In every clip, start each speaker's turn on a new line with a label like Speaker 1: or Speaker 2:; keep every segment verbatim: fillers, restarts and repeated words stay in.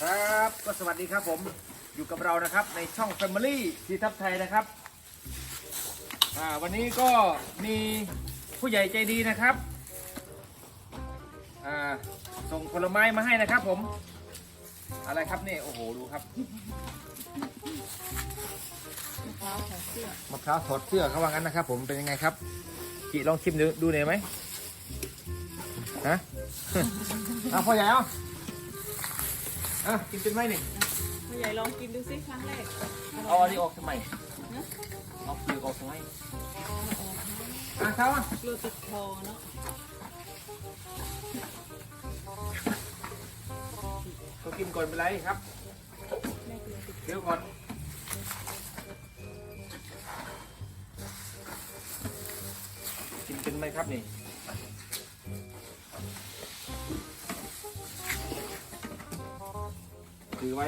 Speaker 1: ครับก็สวัสดีครับผมอยู่กับเรานะครับในช่อง Family สีทับไทยนะครับอ่าวันนี้ก็มีผู้ใหญ่ใจดีนะครับอ่าส่งผลไม้มาให้นะครับผมอะไรครับนี่โอ้โหดูครับมะพร้าวถอดเสื้อมะพร้าวถอดเสื้อเขาว่างั้นนะครับผมเป็นยังไงครับchịลองชิมดูดูหน่อยไหมฮะ เอาพ่อใหญ่เอาอ่ะกินเป็นไหมนี่
Speaker 2: พ่อใหญ่ลองกินดูสิครั้งแรก
Speaker 1: เอาอันนี้ออกทำไมเอาเปลือกออกทำไมอ่ะเขาอ่ะ
Speaker 2: กลัวติดคอเนาะ
Speaker 1: ก็กินก่อนเป็นไรครับเดี๋ยวก่อนกินเป็นไหมครับนี่ถือไว้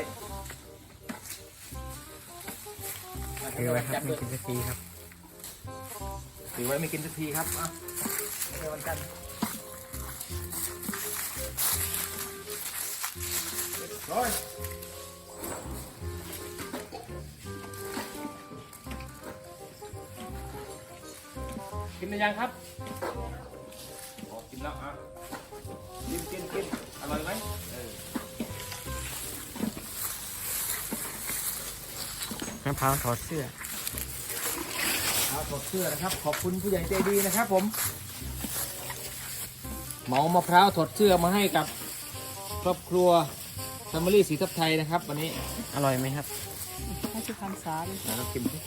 Speaker 3: ถือไว้ครับไม่กินสักทีครับ
Speaker 1: ถือไว้ไม่กินสักทีครับอ่ะไม่ใช่วันจันทร์ร้อยกินหรือยังครับอ๋อกินแล้วอ่ะกินกินกินอร่อยไหมเออ
Speaker 3: มะพร้าวถอดเสื้อ
Speaker 1: เอาถอดเสื้อนะครับขอบคุณผู้ใหญ่ใจดีนะครับผมเหมามะพร้าวถอดเสื้อมาให้กับครอบครัวแฟมิลี่สีทับไทยนะครับวันนี้
Speaker 3: อร่อยไหมครับ
Speaker 2: ให้ชิมคำสาดิ
Speaker 1: เราชิมสิ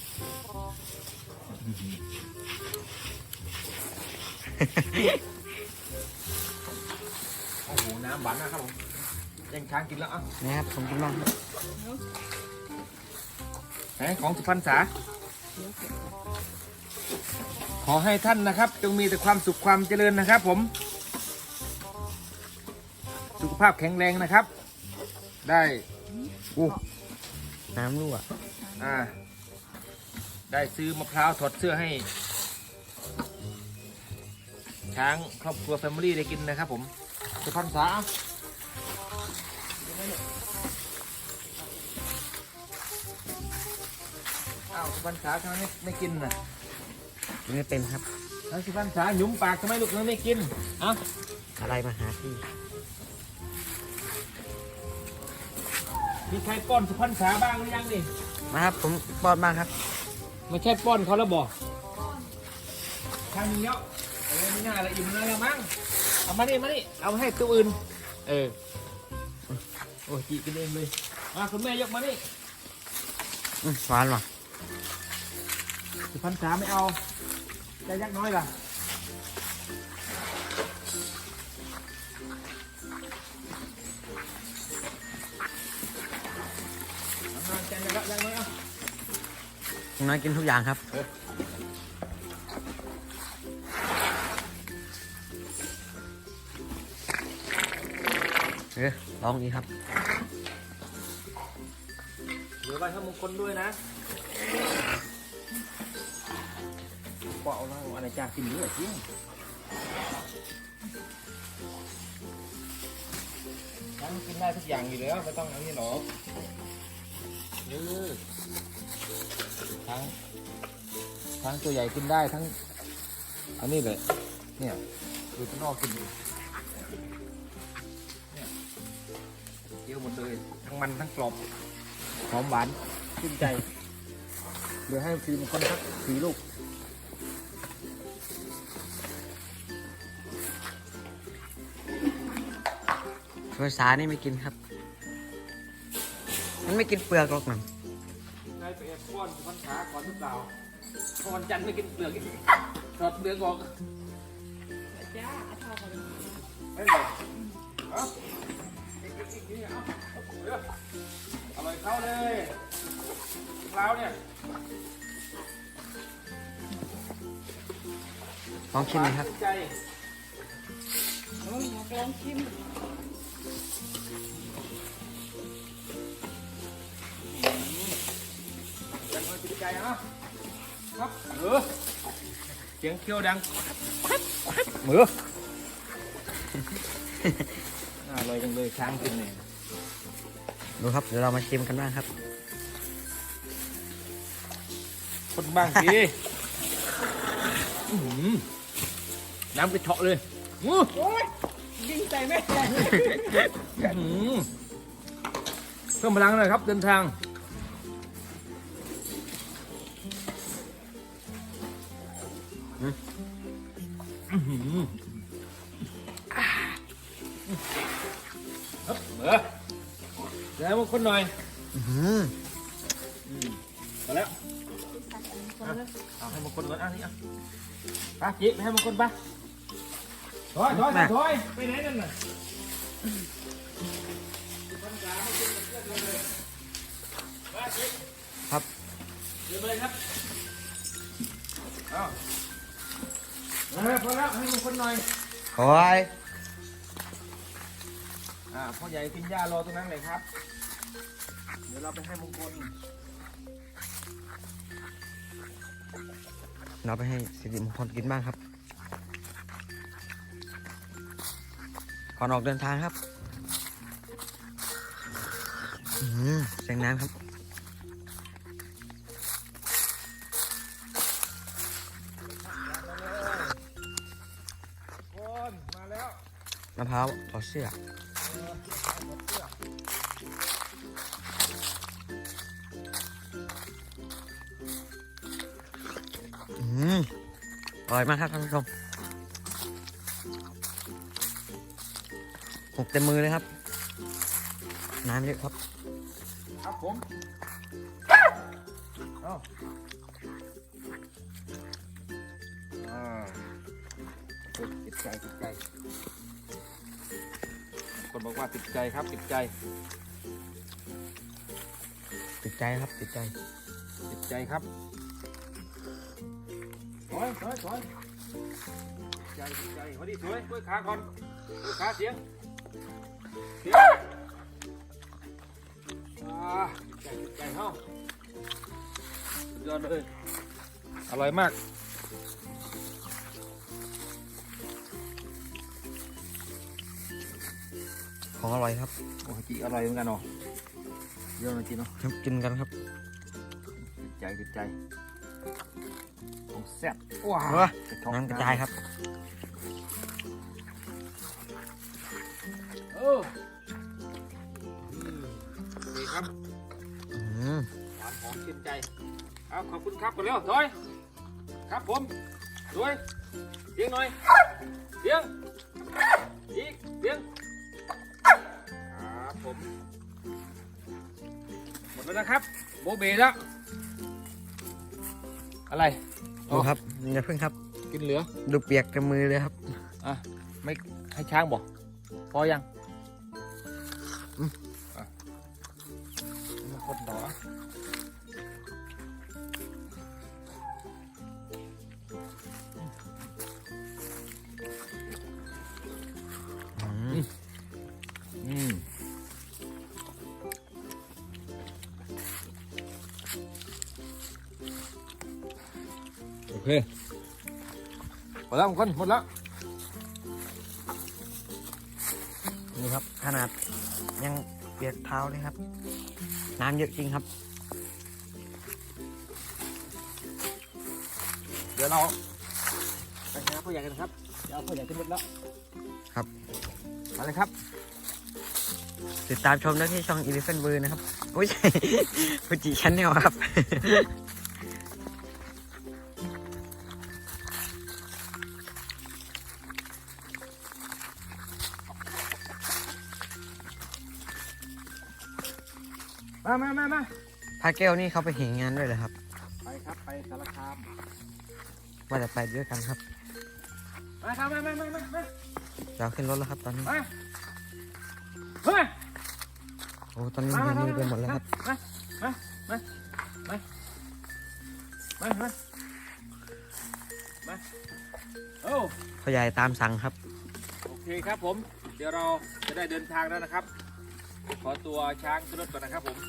Speaker 1: โอ้โหน้ำหวานนะครับผมยังช้างกินแล้วอ่ะ
Speaker 3: นะครับผมกินบ้างครับ
Speaker 1: ไหนของสุพรรณษาขอให้ท่านนะครับจงมีแต่ความสุขความเจริญนะครับผมสุขภาพแข็งแรงนะครับได้อู้
Speaker 3: น้ำรั่ว
Speaker 1: อ่าได้ซื้อมะพร้าวถอดเสื้อให้ช้างครอบครัวแฟมิลี่ได้กินนะครับผมสุพรรณษาอ้าวสุพรรณษาทำไมไม่ไม่กินน่ะ
Speaker 3: ไม่เป็นครับ
Speaker 1: แล้วสุพรรณษาหยุมปากทำไมลูกไม่กินอ่ะ
Speaker 3: อะไรมาหาพี่
Speaker 1: มีใครป้อนสุพรรณษาบ้างหรือยังนี่
Speaker 3: มาครับผมป้อนบ้างครับ
Speaker 1: ไม่ใช่ป้อนเขาแล้วบอกทางนี้เนาะเออไม่น่าละอิ่มเลยละมั้งเอามานี่มานี่เอาให้ตัวอื่นเออโอ้ยจีกินเองเลยมาคุณแม่ยกมานี่
Speaker 3: หวานหรอ
Speaker 1: สุพรรณษาไม่เอาใจยักน้อยล่ะใจยักยักน้อยเอา
Speaker 3: น้อยกินทุกอย่างครับเออลองดีครับ
Speaker 1: เหลือไว้ให้มงคลด้วยนะก็เอาแล้วอะไรจ้ากินเยอะจริงทั้งกินได้ทุกอย่างอยู่แล้วไม่ต้องอันนี้หรอกเออทั้งทั้งตัวใหญ่กินได้ทั้งอันนี้เลยเนี่ยดูข้างนอกกินดูเนี่ยเยอะหมดเลยทั้งมันทั้งกรอบหอมหวานชื่นใจเดี๋ยวให้ทีมคนสักสี่ลูก
Speaker 3: ภาษานี่ไม่กินครับมันไม่กินเปลือกหรอกนะ
Speaker 1: ใครไปแอบป้อนวันขาก่อนหรือเปล่าพอวันจันทร์ไม่กินเปลือกถอดเปลือกออก
Speaker 2: จ้าเอาเท่ากัน
Speaker 1: ไม่เลยเอาอร่อยเข้าเลยแล้วเนี่ย
Speaker 3: ลองชิมไหมครับ
Speaker 2: ลองชิม
Speaker 1: ยังไม่ติดใจฮะครับเออเสียงเคี้ยวดังมือ อร่อยจังเลยช้างกินเนี่ย
Speaker 3: ดูครับเดี๋ยวเรามาชิมกันบ้างครับ
Speaker 1: คนบ้างสิ อื้อหือน้ำกระเฉาะเลยอื้อ
Speaker 2: โอ้ยยิงใส่แม่ใหญ่
Speaker 1: อื้อหือเพิ่มพลังหน่อยครับเดินทางอื้อหืออ่าเฮ้ยเบอร์เดี๋ยวให้มันคนหน่อย
Speaker 3: อื้อหือ
Speaker 1: อืมมาแล้วเอาให้มันคนก่อนอ่ะนี่อ่ะไปจิไปให้มันคนไปถอยถอยถอยไปไหนนั่นน่ะมาจิ
Speaker 3: ครับ
Speaker 1: เดี๋ยวเลยครับเอาเออพอแล้วให้มันคนหน่อย
Speaker 3: โอ้ย
Speaker 1: อ่าพ่อใหญ่กินหญ้ารอตรงนั้นเลยครับเดี๋ยวเราไปให้มงคล
Speaker 3: เราไปให้สิริมงคลกินบ้างครับก่อนออกเดินทางครับอื้อหือเสียงน้ำครับ
Speaker 1: คนมาแล้ว
Speaker 3: มะพร้าวถอดเสื้ออืมอร่อยมากครับท่านผู้ชมหกเต็มมือเลยครับ น้ำเยอะครับ
Speaker 1: ครับผมเอาอ่าติดใจติดใจคนบอกว่าติดใจครับติดใจ
Speaker 3: ติดใจครับติดใจ
Speaker 1: ติดใจครับสวยสวยสวยใจติดใจพอดีสวยด้วยขาก่อนด้วยขาเสียงเสียงอ่าใจติดใจเฮ้าสุดยอดเลยอร่อยมาก
Speaker 3: ของอร่อยครับ
Speaker 1: โอ้ยจีอร่อยเหมือนกันเนาะเยอะเลยจีเนาะ
Speaker 3: กินกันครับ
Speaker 1: ติดใจติดใจของแซ่บว้า
Speaker 3: เออ น้ำกระจายครับ
Speaker 1: เอออืมดีครับ
Speaker 3: อืม
Speaker 1: หวานหอมชื่นใจเอาขอบคุณครับกันแล้วถอยครับผมสวยเสียงหน่อยเสียงอีกเสียงครับผมหมดแล้วนะครับโบเบแล้วอะไร
Speaker 3: ดูครับอย่าเพิ่งครับ
Speaker 1: กินเหลือ
Speaker 3: ดูเปียกเต็มมือเลยครับ
Speaker 1: อ่ะไม่ให้ช้างบอกพอยังอืมอ่ะมาคนต่ออ่ะ
Speaker 3: อืม
Speaker 1: อืมโอเคหมดแล้วคนหมดแล้ว
Speaker 3: นี่ครับขนาดยังเปียกเท้าเลยครับ น้ำเยอะจริงครับ
Speaker 1: เดี๋ยวเราไปหาผู้ใหญ่กันครับเดี๋ยวเอาผู้ใหญ่ขึ้นรถแล้ว
Speaker 3: ครับ
Speaker 1: มาเลยครับ
Speaker 3: ติดตามชมได้ที่ช่อง Elephant Bird นะครับโอ้ย ฟูจิชั้นแนลครับ
Speaker 1: มามามามา
Speaker 3: พาแก้วนี่เขาไปเห็นงานด้วยเหรอครับ
Speaker 1: ไปครับไปสารคาม
Speaker 3: ว่าจะไปด้วยกันครับ
Speaker 1: มาครับมามามามามา
Speaker 3: เราขึ้นรถแล้วครับตอนนี้
Speaker 1: มาเฮ้ย
Speaker 3: โอ้ตอนนี้
Speaker 1: มา
Speaker 3: มื
Speaker 1: มา
Speaker 3: อไปหมดแล้วครับ
Speaker 1: มามามามามามามาโอ้
Speaker 3: พ่อใหญ่ตามสั่งครับ
Speaker 1: โอเคครับผม เดี๋ยวเราจะได้เดินทางแล้วนะครับ ขอตัวช้างขึ้นรถก่อนนะครับผม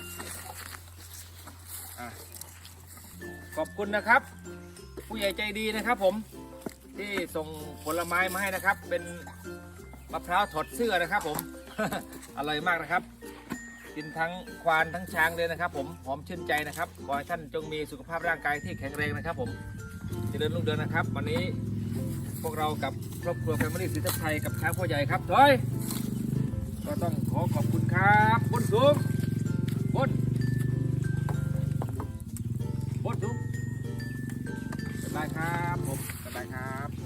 Speaker 1: อ่ะขอบคุณนะครับ ผู้ใหญ่ใจดีนะครับผมที่ส่งผลไม้มาให้นะครับ เป็นมะพร้าวถอดเสื้อนะครับผม อร่อยมากนะครับกินทั้งควานทั้งช้างเลยนะครับ ผมหอมชื่นใจนะครับขอให้ท่านจงมีสุขภาพร่างกายที่แข็งแรงนะครับผมเจริญรุ่งเรืองนะครับ วันนี้พวกเรากับครอบครัวแฟมิลี่ศรีทับไทยกับช้างพ่อใหญ่ครับถอยก็ต้องขอขอบคุณครับบนสูงบนบนสูงสบายครับผมสบายครับ